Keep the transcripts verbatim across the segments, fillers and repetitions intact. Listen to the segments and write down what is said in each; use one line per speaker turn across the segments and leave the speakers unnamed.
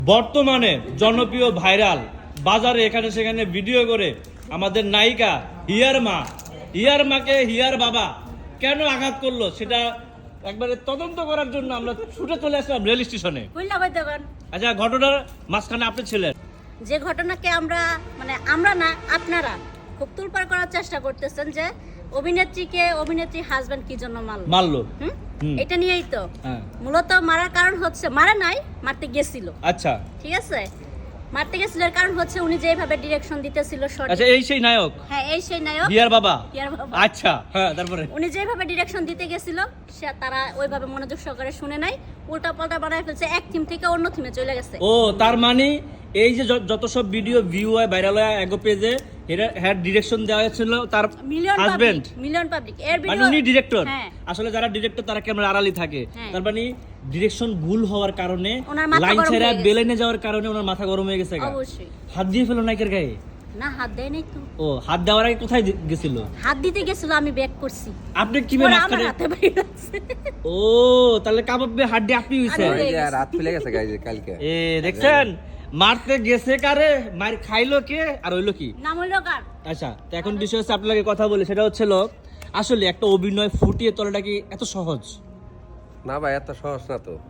বর্তমানে জনপ্রিয় ভাইরাল বাজারে এখানে সেখানে ভিডিও করে আমাদের নায়িকা হিয়ার মা হিয়ার মাকে হিয়ার বাবা কেন আঘাত করলো সেটা একবারে তদন্ত করার জন্য আমরা ছুটে চলে আসলাম রেল স্টেশনে। আচ্ছা, ঘটনার মাঝখানে আপনি ছিলেন।
যে ঘটনাকে আমরা মানে আমরা না আপনারা খুব তুলপার করার চেষ্টা করতেছেন যে অভিনেত্রীকে অভিনেত্রী হাজবেন্ড কি জন্য মারলো
মারলো
হুম এটা নিয়েই তো মূলত মারার কারণ হচ্ছে মারা নাই মারতে গেছিল।
আচ্ছা,
ঠিক আছে, মারতে গেছিল এর কারণ হচ্ছে উনি যেভাবে ডিরেকশন দিতেছিল শর্ট।
আচ্ছা, এই সেই নায়ক।
হ্যাঁ, এই সেই নায়ক
হিয়ার বাবা।
হিয়ার বাবা।
আচ্ছা, হ্যাঁ, তারপরে
উনি যেভাবে ডিরেকশন দিতে গেছিল সে তারা ওইভাবে মনোযোগ সহকারে শুনে নাই, উল্টা পাল্টা বানায় ফেলছে, এক থিম থেকে অন্য থিমে চলে গেছে।
ও তার মানে এই যে যত সব ভিডিও ভিউ হয় ভাইরাল হয় এগো পেজে হেড ডিরেকশন দেওয়া হয়েছিল তার হাজবেন্ড
মিলিয়ন পাবলিক এর
মানে
ভিডিও
উনি ডিরেক্টর।
হ্যাঁ।
আসলে যারা ডিরেক্টর তারা ক্যামেরা আড়ালি থাকে,
হ্যাঁ।
তার মানে ডিরেকশন ভুল হওয়ার কারণে
ওনার মাথা
লাইন
গরম
ছেড়া
হয়ে গেছে।
বেলেনে যাওয়ার কারণে ওনার মাথা গরম হয়ে গেছে।
অবশ্যই
হাত দিয়ে ফেলো নাইকের গায়ে।
না, হাত দেয় নাই তো।
ও হাত দেওয়ার আগে কোথায় দি- গেছিল?
হাত দিতে গেছিল, আমি ব্যাক করছি।
আপনি কি
পরে আমার
মাঝখানে?
হাতে বাইরে আছে।
ও তাহলে কাবাবে হাত দিয়ে আপনি হইছে।
আমি-
এই যে রাত ফেলে গেছে গাইজ কালকে।
এ দেখছেন মারতে গেছে কারে, মার খাইলো কে আর হইলো কি?
নাম হইলো কার?
আচ্ছা, তো এখন বিষয় হচ্ছে আপনাকে কথা বলি, সেটা হচ্ছিল আসলে একটা অভিনয় ফুটিয়ে তোলাটা কি এত সহজ?
না ভাই, এত সহজ না তো।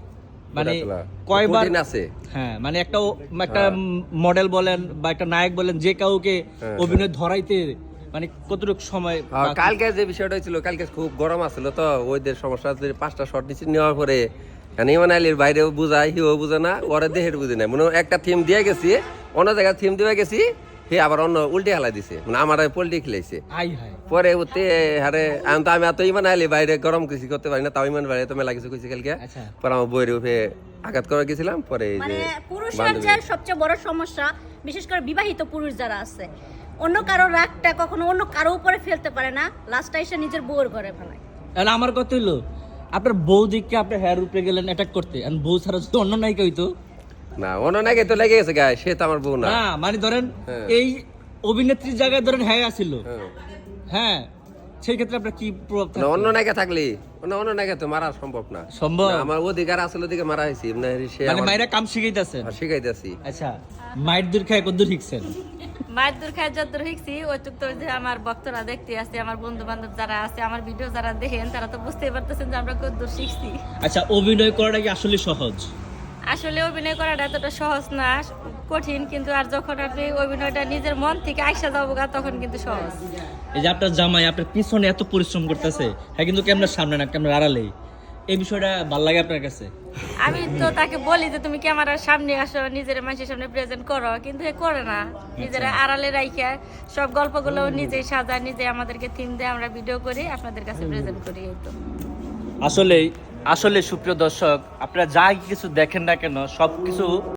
মানে
ফুটায় তোলা।
কয়বার
কঠিন আছে।
হ্যাঁ, মানে একটা ও- একটা মডেল বলেন বা একটা নায়ক বলেন, যে কাউকে
হ্যাঁ,
অভিনয় ধরাইতে মানে কতটুকু সময়
আর
বাকি?
কালকে যে বিষয়টা হয়েছিল, কালকে খুব গরম আসছিল তো, ওইদের সমস্যা হচ্ছে, পাঁচটা শট নিচে নেওয়ার পরে মানে ইমান আলীর বাইরেও বুঝায়, হিও বুঝে না, ওরা দেহের বুঝে না। মানে একটা থিম দিয়ে গেছি, অন্য জায়গায় থিম দিয়ে গেছি, হে আবার অন্য উল্টে হেলা দিছে, মানে আমার পোল্ট্রি খেলাইছে।
আই হাই,
পরে উঠতে হারে আমি তো আমি এত ইমান আলী বাইরে গরম কিছু করতে পারি না, তাও ইমান বাইরে তো মেলা কিছু কইছি কালকে।
আচ্ছা।
পরে আমার বইয়ের উঠে আঘাত করে গেছিলাম। পরে এই
মানে
যে
পুরুষের
বান্ধবী-
যে সবচেয়ে বড় সমস্যা, বিশেষ করে বিবাহিত পুরুষ যারা আছে, অন্য কারো রাগটা কখনো অন্য কারো উপরে ফেলতে পারে না, লাস্টে এসে নিজের বউয়ের ঘরে ফেলায়।
এখন আমার কথা হইলো আপনার বউ দিককে আপনি হেয়ার উপরে গেলেন অ্যাটাক করতে, আর বউ ছাড়া যদি অন্য নায়িকা হইতো
না, অন্য নাকি তো লেগে গেছে গায়ে, সে তো আমার বউ না।
না, মানে ধরেন
হ্যাঁ।
এই অভিনেত্রীর জায়গায় ধরেন হ্যাঁ আসিল,
হ্যাঁ।
হ্যাঁ, সেই ক্ষেত্রে আপনার কি প্রভাব
না,
থাকতো?
অন্য নায়িকা থাকলে অন্য অন্য নায়িকা তো মারা সম্ভব না।
সম্ভব?
না, আমার অধিকার আসলে দিকে মারা হয়েছি, মানে সে
মানে
আমার
মায়েরা কাম শিখাইতেছেন।
শিখাইতেছি।
আচ্ছা, মায়ের দূর খায় কদ্দূর শিখছেন?
মায়ের দূর খায় যদ্দূর শিখছি ওইটুক তো যে আমার ভক্তরা দেখতে আসছে, আমার বন্ধু বান্ধব যারা আছে, আমার ভিডিও যারা দেখেন, তারা তো বুঝতেই পারতেছেন যে আমরা কতদূর শিখছি।
আচ্ছা, অভিনয় করাটা কি আসলে সহজ?
আসলে অভিনয় করাটা এতটা সহজ না, কঠিন, কিন্তু আর যখন আপনি অভিনয়টা নিজের মন থেকে আইসা যাবো গা, তখন কিন্তু সহজ।
এই যে আপনার জামাই আপনার পিছনে এত পরিশ্রম করতেছে, হ্যাঁ, কিন্তু ক্যামেরার সামনে না, ক্যামেরার আড়ালেই, এই বিষয়টা ভালো লাগে আপনার কাছে?
আমি তো তাকে বলি যে তুমি ক্যামেরার সামনে আসো, নিজের মানুষের সামনে প্রেজেন্ট করো, কিন্তু এ করে না, নিজের আড়ালে রাইখা সব গল্পগুলো নিজেই সাজায়, নিজে আমাদেরকে থিম দিয়ে আমরা ভিডিও করি, আপনাদের কাছে প্রেজেন্ট করি। এই তো
আসলে আসলে সুপ্রিয় দর্শক, আপনারা যা কিছু দেখেন না কেন সবকিছু